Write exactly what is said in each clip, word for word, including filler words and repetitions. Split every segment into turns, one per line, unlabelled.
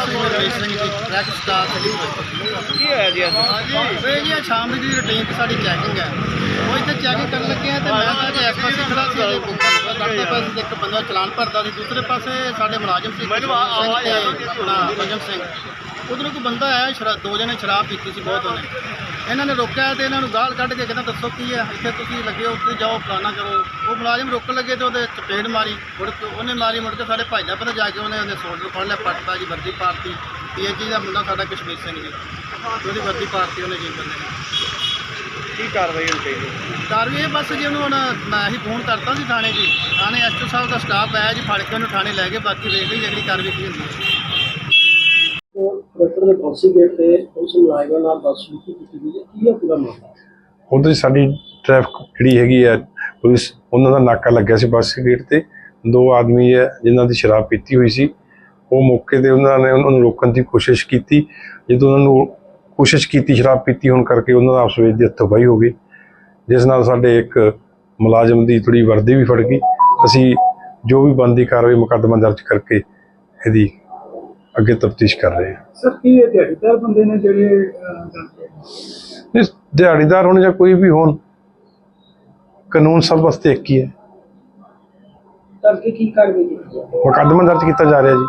ਰਮੇਸ਼ ਸਿੰਘ ਜੀ track star
ਕੀ ਹੋਇਆ ਜੀ ਅੱਜ?
ਇਹ ਜੀ ਸ਼ਾਮ ਦੀ ਰੂਟੀਨ ਤੇ ਸਾਡੀ ਚੈਕਿੰਗ ਹੈ। ਉਹ ਇੱਥੇ ਚੈਕਿੰਗ ਕਰਨ ਲੱਗੇ ਆ ਤੇ ਮੈਂ ਤਾਂ ਜੀ ਇਸ ਪਾਸੇ ਖੜਾ ਸੀ ਜੇ ਬੁੱਕਰ ਕਰਦੇ ਪਾਸੇ ਤੇ ਇੱਕ ਬੰਦਾ ਚਲਾਨ ਭਰਦਾ ਸੀ, ਦੂਸਰੇ ਪਾਸੇ ਸਾਡੇ ਮੁਲਾਜ਼ਮ ਸੀ ਆਪਣਾ ਪੰਜਮ ਸਿੰਘ। ਉਧਰੋਂ ਕੋਈ ਬੰਦਾ ਆਇਆ, ਸ਼ਰਾਬ ਦੋ ਜਣੇ ਸ਼ਰਾਬ ਪੀਤੀ ਸੀ ਬਹੁਤ ਉਹਨੇ। ਇਹਨਾਂ ਨੇ ਰੋਕਿਆ ਤੇ ਇਹਨਾਂ ਨੂੰ ਗਾਲ ਕੱਢ ਕੇ ਕਹਿੰਦਾ ਦੱਸੋ ਕੀ ਹੈ, ਇੱਥੇ ਤੁਸੀਂ ਲੱਗੇ ਹੋ, ਉੱਥੇ ਜਾਓ ਫਲਾਣਾ ਕਰੋ। ਉਹ ਮੁਲਾਜ਼ਮ ਰੋਕਣ ਲੱਗੇ ਤੇ ਉਹਦੇ ਚਪੇੜ ਮਾਰੀ, ਮੁੜ ਕੇ ਉਹਨੇ ਮਾਰੀ, ਮੁੜ ਕੇ ਸਾਡੇ ਭਾਈਦਾ ਪਤਾ ਜਾ ਕੇ ਉਹਨੇ ਉਹਦੇ ਸੋਲਡਰ ਫੜ ਲਿਆ, ਪੱਟਦਾ ਜੀ, ਵਰਦੀ ਪਾਰਟੀ ਪੀ ਐਚ ਜੀ ਦਾ ਮੁੰਡਾ ਸਾਡਾ ਕਸ਼ਮੀਰ ਸਿੰਘ ਜੀ, ਉਹਦੀ ਵਰਦੀ ਪਾਰਟੀ ਉਹਨੇ ਜੀ ਬੰਦੇ ਨੇ।
ਕੀ ਕਾਰਵਾਈ ਹੋਣੀ ਚਾਹੀਦੀ?
ਕਾਰਵਾਈ ਇਹ ਬਸ ਜੀ ਉਹਨੂੰ ਹੁਣ ਮੈਂ ਹੀ ਫੋਨ ਕਰਤਾ ਸੀ ਥਾਣੇ ਜੀ, ਥਾਣੇ ਐਸ ਓ ਸਾਹਿਬ ਦਾ ਸਟਾਫ ਆਇਆ ਜੀ, ਫੜ ਕੇ ਉਹਨੂੰ ਥਾਣੇ ਲੈ ਕੇ ਬਾਕੀ ਵੇਖ ਲਈ ਜਿਹੜੀ ਕਾਰਵਾਈ ਕੀ ਹੁੰਦੀ ਹੈ।
ਟਰੈਕਟਰ ਦੇ ਕ੍ਰੋਸਿੰਗ ਗੇਟ ਤੇ ਉਸ ਮੁਲਾਜ਼ਮਾਂ ਨਾਲ ਬਦਸਲੂਕੀ ਕੀਤੀ ਗਈ ਹੈ, ਕੀ ਹੈ ਪੂਰਾ ਮਾਮਲਾ?
ਉਧਰ ਸਾਡੀ ਟ੍ਰੈਫਿਕ ਜਿਹੜੀ ਹੈਗੀ ਹੈ ਪੁਲਿਸ, ਉਹਨਾਂ ਦਾ ਨਾਕਾ ਲੱਗਿਆ ਸੀ ਬੱਸ ਗੇਟ ਤੇ। ਦੋ ਆਦਮੀ ਹੈ ਜਿਨ੍ਹਾਂ ਦੀ ਸ਼ਰਾਬ ਪੀਤੀ ਹੋਈ ਸੀ, ਉਹ ਮੌਕੇ ਤੇ ਉਹਨਾਂ ਨੇ ਉਹਨਾਂ ਨੂੰ ਰੋਕਣ ਦੀ ਕੋਸ਼ਿਸ਼ ਕੀਤੀ। ਜਦੋਂ ਉਹਨਾਂ ਨੂੰ ਕੋਸ਼ਿਸ਼ ਕੀਤੀ ਸ਼ਰਾਬ ਪੀਤੀ ਹੋਣ ਕਰਕੇ ਉਹਨਾਂ ਦਾ ਆਪਸ ਵਿੱਚ ਦੀ ਹੱਥੋਂ-ਪਾਈ ਹੋ ਗਈ, ਜਿਸ ਨਾਲ ਸਾਡੇ ਇੱਕ ਮੁਲਾਜ਼ਮ ਦੀ ਥੋੜ੍ਹੀ ਵਰਦੀ ਵੀ ਫੜ ਗਈ। ਅਸੀਂ ਜੋ ਵੀ ਬਣਦੀ ਕਾਰਵਾਈ ਮੁਕੱਦਮਾ ਦਰਜ ਕਰਕੇ ਇਹਦੀ ਅੱਗੇ ਤਫਤੀਸ਼ ਕਰ ਰਹੇ ਹਾਂ।
ਸਰ ਕੀ ਇਹ ਦਿਹਾੜੀਦਾਰ ਬੰਦੇ ਨੇ ਜਿਹੜੇ
ਇਸ ਦਿਹਾੜੀਦਾਰ ਹੋਣ ਜਾਂ ਕੋਈ ਵੀ ਹੋਣ, ਕਾਨੂੰਨ ਸਭ ਵਾਸਤੇ ਇੱਕ ਹੀ ਹੈ।
ਕਰਕੇ ਕੀ ਕਾਰਵਾਈ ਕੀਤੀ ਹੈ?
ਮੁਕੱਦਮਾ ਦਰਜ ਕੀਤਾ ਜਾ ਰਿਹਾ ਜੀ।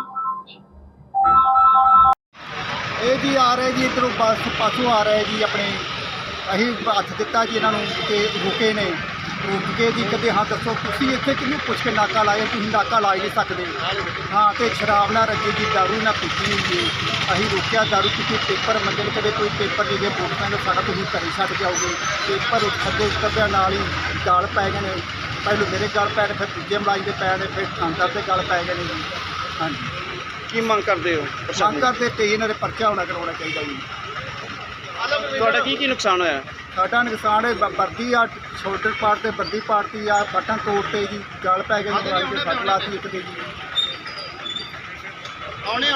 ਇਹ ਜੀ ਆ ਰਹੇ ਜੀ ਇੱਧਰੋਂ ਬੱਸ ਪਾਸੋਂ ਆ ਰਹੇ ਜੀ, ਆਪਣੇ ਅਸੀਂ ਹੱਥ ਦਿੱਤਾ ਜੀ ਇਹਨਾਂ ਨੂੰ ਤੇ ਰੁਕੇ ਨੇ। ਰੁਕ ਕੇ ਜੀ ਕਹਿੰਦੇ ਹਾਂ ਦੱਸੋ ਤੁਸੀਂ ਇੱਥੇ ਕਿਹਨੂੰ ਪੁੱਛ ਕੇ ਨਾਕਾ ਲਾਇਆ, ਤੁਸੀਂ ਨਾਕਾ ਲਾ ਹੀ ਨਹੀਂ ਸਕਦੇ। ਹਾਂ ਤੇ ਸ਼ਰਾਬ ਨਾ ਰੱਜੀ ਜੀ, ਦਾਰੂ ਨਾ ਪੀਤੀ ਹੋਈ ਜੀ। ਅਸੀਂ ਰੋਕਿਆ, ਦਾਰੂ ਪੀਤੀ, ਪੇਪਰ ਮੰਗੇ ਨੇ, ਕਦੇ ਕੋਈ ਪੇਪਰ ਨਹੀਂ ਗਏ, ਮੋਟਰਸਾਈਕਲ ਸਾਡਾ ਤੁਸੀਂ ਘਰੇ ਛੱਡ ਜਾਓਗੇ। ਪੇਪਰ ਥੱਲੇ ਉਤਰਦਿਆਂ ਨਾਲ ਹੀ ਗਾਲ ਪੈ ਗਏ ਨੇ, ਪਹਿਲੋਂ ਮੇਰੇ ਗਾਲ ਪੈ ਗਏ, ਫਿਰ ਦੂਜੇ ਮੁਲਾਜ਼ਮ ਦੇ ਪੈ ਗਏ, ਫਿਰ ਥਾਣੇਦਾਰ ਦੇ ਗਾਲ ਪੈ ਗਏ ਨੇ ਜੀ। ਹਾਂਜੀ
ਕੀ ਮੰਗ ਕਰਦੇ ਹੋ?
ਮੰਗ ਕਰਦੇ ਤੇ ਇਹਨਾਂ ਦੇ ਪਰਚਾ ਹੋਣਾ ਕਰਵਾਉਣਾ ਚਾਹੀਦਾ ਜੀ।
ਤੁਹਾਡਾ ਕੀ ਕੀ ਨੁਕਸਾਨ ਹੋਇਆ?
ਸਾਡਾ ਨੁਕਸਾਨ ਹੈ ਵਰਦੀ ਆ, ਸ਼ੋਲਡਰ ਪਾਰਟ ਤੇ ਵਰਦੀ ਪਾਰਟੀ ਆ, ਬਟਨ ਤੋੜਤੇ ਜੀ, ਗਲ ਪੈ ਗਏ, ਸੱਟ ਲਾਤੀ ਇੱਕ ਦੇ ਜੀ।